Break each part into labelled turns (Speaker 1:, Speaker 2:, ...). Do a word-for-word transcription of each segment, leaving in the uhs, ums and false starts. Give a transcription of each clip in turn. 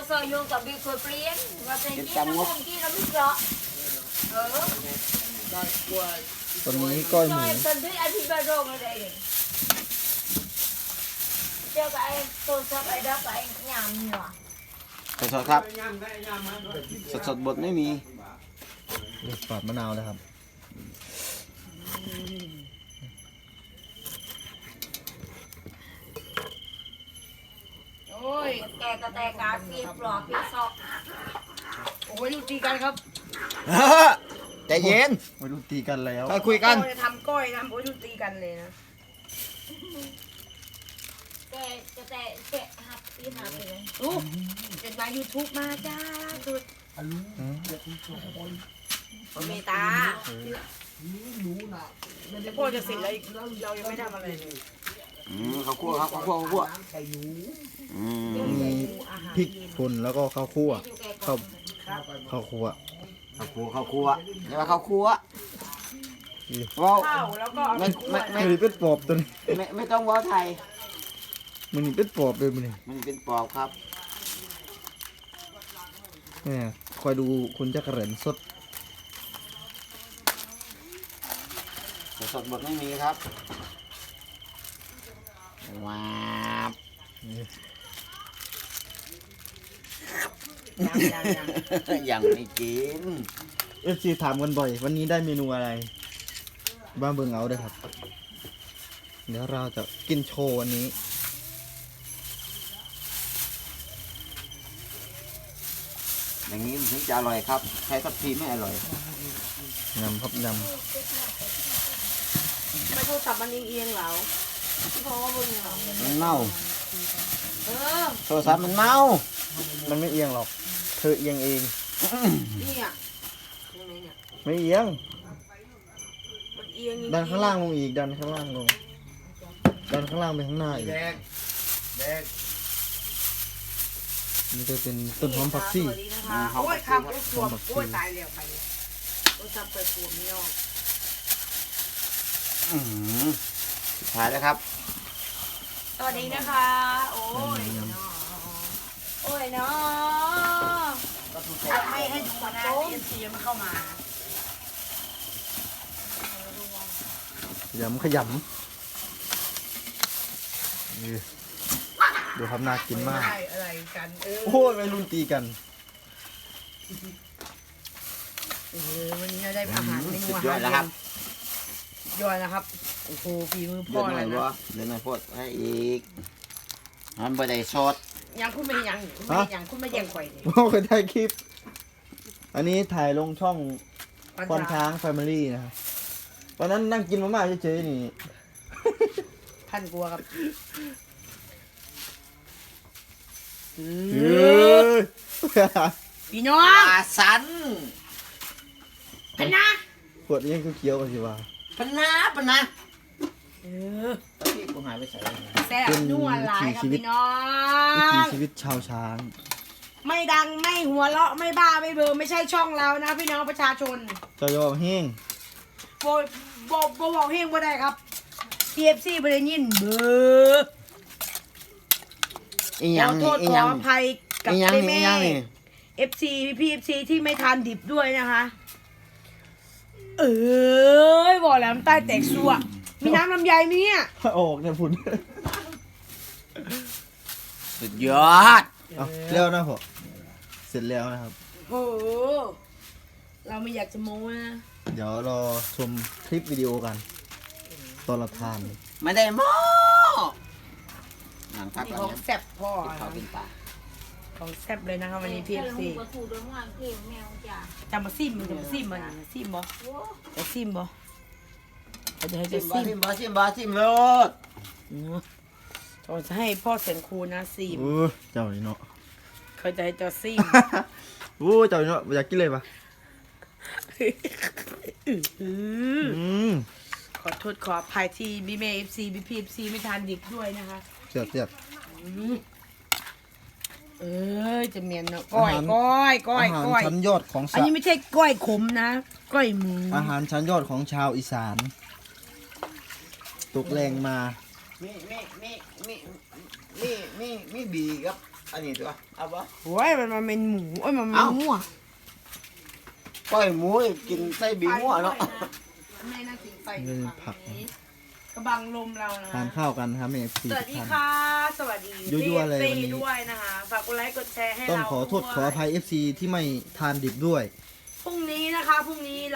Speaker 1: ซอยโยกับบีคนเปลี่ยนว่าเป็นที่น้ำมันที่เราไม่เจาะเออ
Speaker 2: ตอนนี้ก้อยหมู
Speaker 1: ตอนที่ไอพี่บาโรงอะไรเนี่ยเจ้ากับไอ้ตัวชอบไอ้ดอกไอ้ยำเหรอ
Speaker 3: สดๆครับสดๆบดไม่มี
Speaker 2: ปาดมะนาวนะครับ
Speaker 1: โอ้ยแกก็แต่การเปียกปลอกเปียกซอกโอ้ยดูตีกันครับ
Speaker 3: ใจเย็น
Speaker 2: ไม่รู้ตีกันแล้ว
Speaker 3: ค่อยคุยกัน
Speaker 1: จะทำก้อยทำโอ้ยดูตีกันเลยนะแกจะแต่แกหักตีหักเลยโอ้เป็นมายูทูบมาจ้าสุดเมตาแต่พ่อจะเสร็จแล้วเรายังไม่ทำอะไรเลย
Speaker 3: อืมข้าวคั่วครับข้าวคั่วข้าวคั่วอืม
Speaker 2: มีพริกป่นแล้วก็ข้าวคั่วข้าวข้าวคั่ว
Speaker 3: ข้าวคั่วข้าวคั่วเรียกว่าข้าวคั่วว้าว
Speaker 1: ข้าวแล้วก็
Speaker 3: ไม่ไม่ไม่
Speaker 2: มันนี่เป็นปอบตัวนี้
Speaker 3: ไม่ไม่ต้องว้าวไทย
Speaker 2: มันนี่เป็นปอบเลยมันนี่
Speaker 3: มันเป็นปอบครับ
Speaker 2: เนี่ยคอยดูคุณจักรเหรนสด
Speaker 3: สดๆบดไม่มีครับว้าว
Speaker 1: ยังยังยัง
Speaker 3: ยังไม่กิน
Speaker 2: เอฟซีถามกันบ่อย วันนี้ได้เมนูอะไรบ้าเบิ่งเอาด้วยครับ เดี๋ยวเราจะกินโชว์วันนี้
Speaker 3: อย่างนี้มันถึงจะอร่อยครับใช้ทัพพีไม่อร่อย
Speaker 2: ยำครับย
Speaker 1: ไม่พูดสับมันเอียงๆเหรอที่พ่อว่ามึงเหรอ
Speaker 3: มันเน่า
Speaker 1: เออ
Speaker 3: โทรศัพท์มันเน่า
Speaker 2: ำมันไม่เอียงหรอก เธอเอียงเอง
Speaker 1: นี่อ่ะยังไงเนี่ย
Speaker 2: ไม่เอียง
Speaker 1: มันเอียง
Speaker 2: ดันข้างล่างลงอีก ดันข้างล่างลง ดันข้างล่างไปข้างหน้าอีก
Speaker 3: แดกแดก
Speaker 2: นี่จะเป็นต้นหอมผักชี
Speaker 1: สวัสดีนะคะโอ้ยคำโอ้ยปวดโอ้ยตายแล้วไปเลยโอ้ยจับไปปวดไม่ยอม
Speaker 3: อื้อหือสุดท้ายแล้วครับ
Speaker 1: สวัสดีนะคะ โอ้ยเนาะโอ้ยเนาะไม่ให้ดูนะเอ็มซีมันเข้ามา
Speaker 2: ขยำขยำนี่ดูครับน่ากินมาก
Speaker 1: อะไรอะไรกันเออ
Speaker 2: โอ้ยวัยรุ่นตีกัน
Speaker 1: เออวันนี้เราได้อาหารเมนู
Speaker 3: สุด
Speaker 1: อาย
Speaker 3: อ
Speaker 1: หา
Speaker 3: ด
Speaker 1: ร
Speaker 3: แล้วครับ
Speaker 1: ยอดนะครับโอ้โหฝีมือ
Speaker 3: เดื
Speaker 1: พ่
Speaker 3: อ
Speaker 1: อ
Speaker 3: ดห
Speaker 1: เล
Speaker 3: น่อย
Speaker 1: ย
Speaker 3: บ่
Speaker 1: นะ
Speaker 3: เดือดหน่อยโพดให้อีกมันบ่ได้สด
Speaker 1: ยังคุณไม่ยังคุณไม่ยังคุณไม่ยังข่อยเลย
Speaker 2: โอ้เคยถ่ายคลิป อันนี้ถ่ายลงช่องคอนช้างแฟมิลี่นะครับตอนนั้นนั่งกินมาม่าเฉยๆนี่
Speaker 1: พันกลัวครับ
Speaker 2: เฮ้ย
Speaker 1: พี่น้อง
Speaker 3: ปลาสัน
Speaker 1: พันนะ
Speaker 2: ขวดนี้คือเคี้ยวกันสิว่า
Speaker 3: ปะนาปะนา
Speaker 1: เออ
Speaker 3: ตอนที่กูหายไปใส่
Speaker 1: แซ่บนัวหลายครับพี่น้อ
Speaker 2: วิถี
Speaker 1: ง
Speaker 2: ชีวิตชาวช้าง
Speaker 1: ไม่ดังไม่หัวเราะไม่บ้าไม่เบอร์ไม่ใช่ช่องเรานะพี่น้องประชาชน
Speaker 2: เจอยอแห้ง
Speaker 1: โบโบโบบอกเฮงบ่ได้ครับ ที เอฟ ซีบ่ได้ยินเบอร์
Speaker 3: อีห
Speaker 1: ข
Speaker 3: ยัง
Speaker 1: อโท
Speaker 3: นี่
Speaker 1: ษ
Speaker 3: อี
Speaker 1: ข
Speaker 3: ห
Speaker 1: อ
Speaker 3: ยัง
Speaker 1: อภัยกับ
Speaker 3: อีหยัง
Speaker 1: แม่
Speaker 3: นี่อีหยังนี่
Speaker 1: เอฟซีพี่เอฟซีที่ไม่ทานดิบด้วยนะคะ เออบอกแล้วน้ำใต้แตกซัวมีน้ำลำไยไหมเนี่ย
Speaker 2: ออกเนี่ยพุ่น
Speaker 3: สุดยอด
Speaker 2: เอาแล้วนะพ่อเสร็จแล้วนะครับ
Speaker 1: โอ้โหเราไม่อยากจะโม้นะ
Speaker 2: เดี๋ยวรอชมคลิปวิดีโอกัน ตอนเราทาน
Speaker 3: ไม่ได้หม้อหนังพัก
Speaker 1: นี่
Speaker 3: ก่อน
Speaker 1: ของ
Speaker 3: นะ
Speaker 1: แซ่บพ่อ
Speaker 3: เขากินปลา
Speaker 1: ของแซ่บเลยนะคะวันนี้พี่เอฟซีจะมาซิมมันจะมาซิมมันจะซิมบ่จะซิมบ่เขาจะให้
Speaker 3: ชิ
Speaker 1: จะ
Speaker 3: มบอ
Speaker 1: ซิ
Speaker 3: ชิ
Speaker 1: ม
Speaker 3: มบอชิมบอชิมเลย
Speaker 1: เขาจะให้พ่อเสียงครูนะซิม
Speaker 2: โอ้เจ้านี่เนาะ
Speaker 1: เขาจะให้เจ้าซิม
Speaker 2: โอ้เจ้านี่เนาะอยากกินเลยปะ
Speaker 1: อืม
Speaker 2: ม
Speaker 1: ขอโทษขออภัยที่บีเมย์เอฟซีบีพีเอฟซีไม่ทานดิบด้วยนะคะ
Speaker 2: เสียบเสียบ
Speaker 1: อืมเอ้ยจะเมียนเนาะก้อยก้อยก้อย
Speaker 2: อาหาร
Speaker 1: ก้อย
Speaker 2: ชั้นยอดของ
Speaker 1: อัน
Speaker 2: สะ
Speaker 1: นี้ไม่ใช่ก้อยขมนะก้อยหมู
Speaker 2: อาหารชั้นยอดของชาวอีสานตกแรงมา
Speaker 3: มีมีมีมีมีมีมีบีครับอันนี้ตัวเอาปะ
Speaker 1: โอ้ยมันมาเป็นหมูโอ้ยมันมา
Speaker 3: เอ้า
Speaker 1: หมูอ่ะ
Speaker 3: ก้อยหมูกินไส้บีมั่วเนาะ
Speaker 1: แม่น่ากินไป
Speaker 2: นี่เป็นผักนะ
Speaker 1: กระบังลมเรานะ
Speaker 2: ทานข้าวกันนะครับเอฟซี
Speaker 1: สวัสดี
Speaker 2: ท่าน
Speaker 1: ค่ะ สวัสดี
Speaker 2: ยั่วๆเลย
Speaker 1: ฟ
Speaker 2: วันนี้
Speaker 1: ด้วยนะคะฝากกดไลค์กดแชร์ให้
Speaker 2: ต้อง
Speaker 1: เรา
Speaker 2: ขอโทษ
Speaker 1: ด้วย
Speaker 2: ขออภัย เอฟซี ที่ไม่ทานดิบด้วย
Speaker 1: พรุ่งนี้นะคะพรุ่งนี้เรา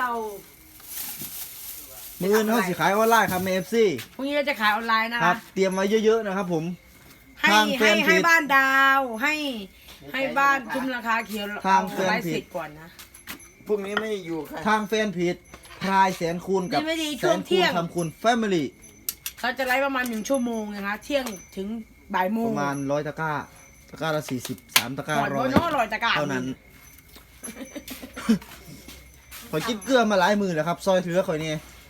Speaker 2: มืออื่นเขาสิขายออนไลน์ครับเอฟซี
Speaker 1: พรุ่งนี้เราจะขายออนไลน์นะ
Speaker 2: ครั
Speaker 1: คะ
Speaker 2: บ เตรียมไว้เยอะๆนะครับผม
Speaker 1: ให้
Speaker 2: ทางแฟ
Speaker 1: ให้
Speaker 2: นเพจ
Speaker 1: ให้บ้านดาวให้ให้บ้านคุ้มราคาเขียว
Speaker 2: ทางแฟน
Speaker 1: ไลฟ์
Speaker 2: เพจ
Speaker 1: สิทธิ์ก่อนนะ
Speaker 3: พรุ่งนี้ไม่อยู่ค่ะ
Speaker 2: ทางแฟนเพจพรายแสนคูณกับ
Speaker 1: นี่ไม่ดี
Speaker 2: แส
Speaker 1: ช่วง
Speaker 2: น
Speaker 1: เที่
Speaker 2: คูณ
Speaker 1: ยง
Speaker 2: ทำคูณแฟมิลี่
Speaker 1: เขาจะไลฟ์ประมาณหนึ่งชั่วโมงนะคะ เที่ยงถึงบ่ายโม
Speaker 2: ป
Speaker 1: ง
Speaker 2: ระมาณร้อยตะกร้า ตะกร้าละสี่สิบสามตะกร้า
Speaker 1: ก่อน
Speaker 2: ร้
Speaker 1: โบ
Speaker 2: อย
Speaker 1: โน่ลอยตะกร้า
Speaker 2: เท่านั้น ขอยกินเกลือมาหลายมือแล้วครับ ซอยเถือข่อยนี่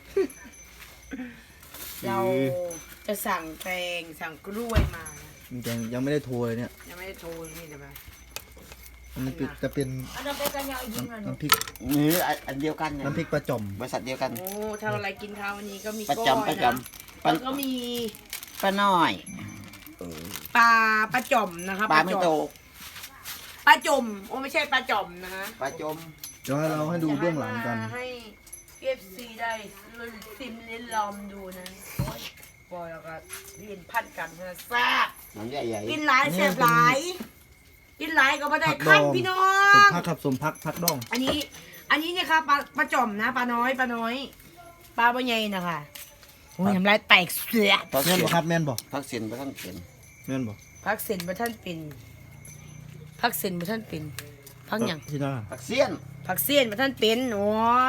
Speaker 1: เราจะสั่งแตงสั่งกล้วยมานะ
Speaker 2: ยังยังไม่ได้โทรเลยเนี่ย
Speaker 1: ยังไม่ได้โทรนี่เดี๋ยวมา
Speaker 2: อันนี้จะเป็น
Speaker 1: อันนั้นเป็นกันยาวยิงเลย
Speaker 2: น้ำพริก
Speaker 3: นี่อันเดียวกันเนี่ย
Speaker 2: น้ำพริกปลาจ่อม
Speaker 3: บริษัทเดียวกัน
Speaker 1: โอ้ทำอะไรกินข้าววันนี้ก็มี
Speaker 3: ประ
Speaker 1: ก้อย
Speaker 3: จำประจ
Speaker 1: นะ
Speaker 3: ำป
Speaker 1: แล้
Speaker 3: ลาว
Speaker 1: ก็มี
Speaker 3: ปลาน้อยเออ
Speaker 1: ปลาปลาจ่อมนะคะ
Speaker 3: ปลาไม่โต
Speaker 1: ปลาจ่อมโอ้ไม่ใช่ปลาจ่อมนะคะ
Speaker 3: ปลาจม
Speaker 2: เดี๋ยวให้เราให้ดูเบื้องหลังกัน
Speaker 1: จะให้เอฟซีได้ซิมลิ้นลอมดูนะโอ้ยบอยแล้วก็เรียนพัดกันนะแซ่บ
Speaker 3: น้ำใหญ่
Speaker 1: กินหลายแซ่บหลาย กินหลายก็ไม่ได้
Speaker 2: ผักด
Speaker 1: ขั้น
Speaker 2: อง
Speaker 1: พี่น้อ
Speaker 2: สม
Speaker 1: ง
Speaker 2: พักครับสมพักพักดอง
Speaker 1: อันนี้ อันนี้เนี่ยค่ะปลาปลาจ่อมนะปลาน้อยปลาน้อยปลาปลาใหญ่นะคะโอ้ยทำลายแตกเสีย
Speaker 3: พัก
Speaker 2: แม่
Speaker 3: เสี
Speaker 2: น
Speaker 3: ย
Speaker 2: บ่ครับแม่นบ่
Speaker 3: พักเสียนไปทั้งเสียน
Speaker 2: แม่นบ่
Speaker 1: พักเซ็นมาท่านเป็นพักเซ็นมาท่านเป็นพักหยัง
Speaker 2: ที่นั่น
Speaker 3: พักเสียน
Speaker 1: พักเซียนมาท่านเป็นโอ้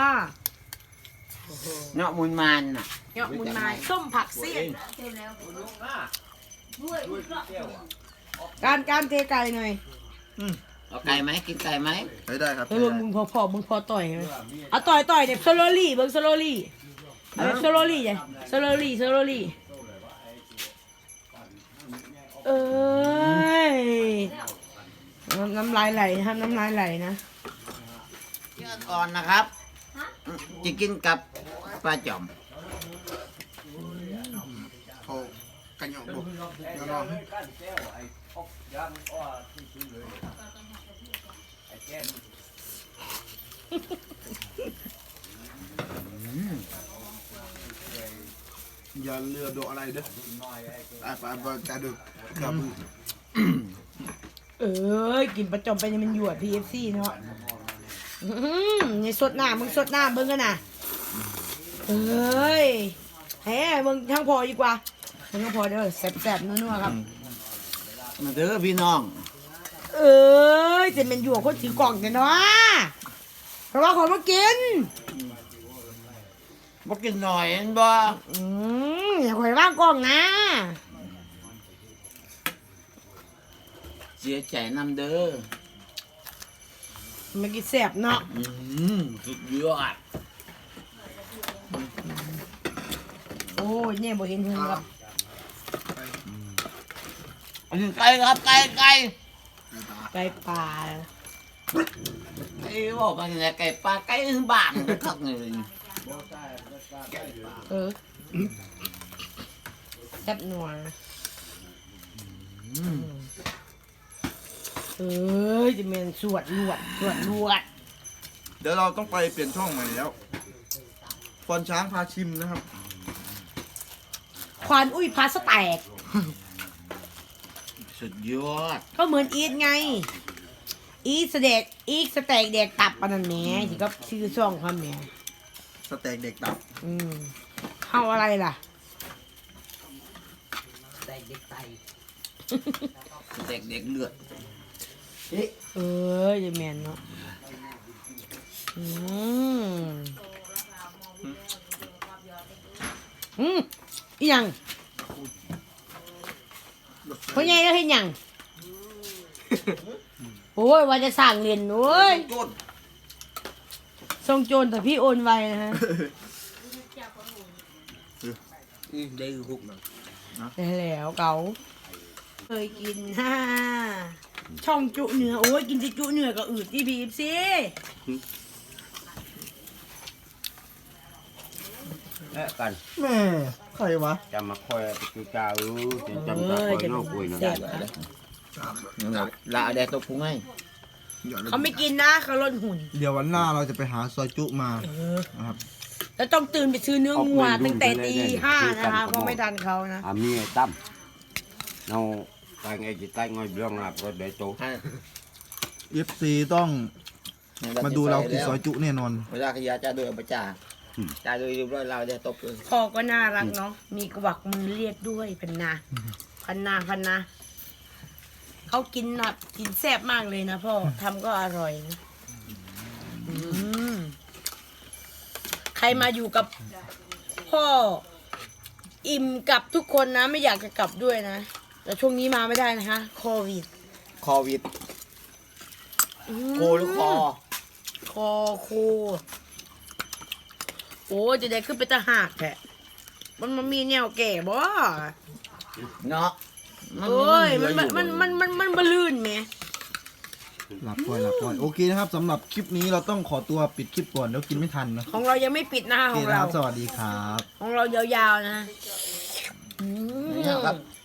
Speaker 3: เนาะมูลมันน่ะ
Speaker 1: เนาะมุนไม้ส้มผักเซียนการการเทไก่หน่อย
Speaker 3: เอาไก่ไหมกินไก่ไหม
Speaker 2: ได้ได้ครับ
Speaker 1: เฮ้ยมึงพอพอมึงพอต่อยไหมเอาต่อยต่อยเด็กโซโลลี่เบิ้งโซโลลี่เอาแบบโซโลลี่ไงโซโลลี่โซโลลี่เอ้ยน้ำน้ำลายไหลนะครับน้ำลายไหลนะ
Speaker 3: เนื้ออ่อนนะครับจะกินกับปลาจอม
Speaker 2: เขากันยองบ่ยอง
Speaker 4: อย่าเลือดอะไรเด้อไอ้ปลาปลากระดูกครับ
Speaker 1: เอ้ยกินประจอมไปนี่มันหยวด พี เอฟ ซี เนาะอื้อหือนี่สดหน้ามึงสดหน้าเบิ่งกันน่ะเอ้ยแหมมึงทั้งพอดีกว่าทั้งพอเด้อแซ่บๆนัวๆครับ
Speaker 3: มาเด้อพี่น้อง
Speaker 1: เอ้ยจะเป็นหยวดคนถือกล่องแต่เนาะเพราะว่าขอมากิน
Speaker 3: มากินหน่อยเห็นบ่
Speaker 1: อืมอย่าคอยว่างกล่องนะ
Speaker 3: เสียใจนำเด้อ
Speaker 1: มากินแซ่บเนาะ
Speaker 3: อืมสุดยอด
Speaker 1: โอ้ยเนี่ยบ่เห็นหงครับ
Speaker 3: อันนี้ไก่ครับไก่ไก่
Speaker 1: ไก่ป่า
Speaker 3: ไก่บอกมาที่ไหนไก่ปลาไก่ถึงบ้านคักเลย
Speaker 1: เออแซ่บนัวเอ้ยจะเป็นสวดลวดสวดลวด
Speaker 4: เดี๋ยวเราต้องไปเปลี่ยนช่องใหม่แล้วฟอนช้างพาชิมนะครับ
Speaker 1: ควานอุ้ยพาสแตก
Speaker 3: สุดยอด
Speaker 1: ก็เหมือนอีทไง อีทสเด็กอีทสแตกเด็กตับปานนันแหม่ที่ก็ชื่อช่องเขาแหม่
Speaker 4: สเต็กเด็กตับ
Speaker 1: อืมเข้าอะไรล่ะ
Speaker 3: เด็กเด็กเลือด
Speaker 1: เอ้ยจะแมนเนาะอืมอืมอีหยังพ่อใหญ่แล้วเห็นหยังโอ้ยว่าจะสั่งเรียนโอ้ย
Speaker 4: ก้น
Speaker 1: ทรงโจรแต่พี่โอนไวนะฮะ
Speaker 3: ได้หุกนะ
Speaker 1: ได้แล้วเก๋าเคยกินฮ่าช่องจุเนื้อโอ้ยกินจะจุเนื้อก็อืดที่บีบสิ
Speaker 3: แม่กัน
Speaker 2: แม่ใครวะ
Speaker 3: จะมาคอยไปกินกาอือจำตาคอยนอกคุยนะได้เลยละแดดตกพุงให้
Speaker 1: เขาไม่กินนะเขาลดหุ่น
Speaker 2: เดี๋ยววันหน้าเราจะไปหาซอยจุมา
Speaker 1: เออ
Speaker 2: นะครับ
Speaker 1: แล้วต้องตื่นไปซื้อเนื้องัวตั้งแต่ตีห้านะคะเพราะไม่ทันเขานะ
Speaker 5: à mi tâm nó tay nghe chỉ tay ngồi biếng là có để chỗ
Speaker 2: เอฟซีต้องมาดูเรากินซอยจุแน่นอน
Speaker 3: เวลาขยะจะเดือประจ่าจ่าดูเรียบร้อยเราแดดตกเลย
Speaker 1: พ่อก็น่ารักเนาะมีกวักมือเรียกด้วยพันนาพันนาพันนาเขากินแบบกินแซ่บมากเลยนะพ่อทำก็อร่อยนะอืมใครมาอยู่กับพ่ออิ่มกับทุกคนนะ ไม่อยากจะกลับด้วยนะ แต่ช่วงนี้มาไม่ได้นะคะโควิด
Speaker 3: โควิด
Speaker 1: อืม
Speaker 3: โคหรือคอ
Speaker 1: คอโคโอ้จะได้ขึ้นไปตะหากแท้มันมันมีแนวแก่บ่
Speaker 3: เนาะ
Speaker 1: โอ้ยมันมันมันมันมันมันบลื่นไหม
Speaker 2: หลับก่อนหลับก่อนโอเคนะครับสำหรับคลิปนี้เราต้องขอตัวปิดคลิปก่อนเดี๋ยวกินไม่ทันนะ
Speaker 1: ของเรายังไม่ปิดนะคะ
Speaker 2: โอ
Speaker 1: ข
Speaker 2: เค
Speaker 1: อง
Speaker 2: นะค
Speaker 1: เรา
Speaker 2: รับสวัสดีครับ
Speaker 1: ของเรายาวๆนะอืม
Speaker 3: นี่ครับ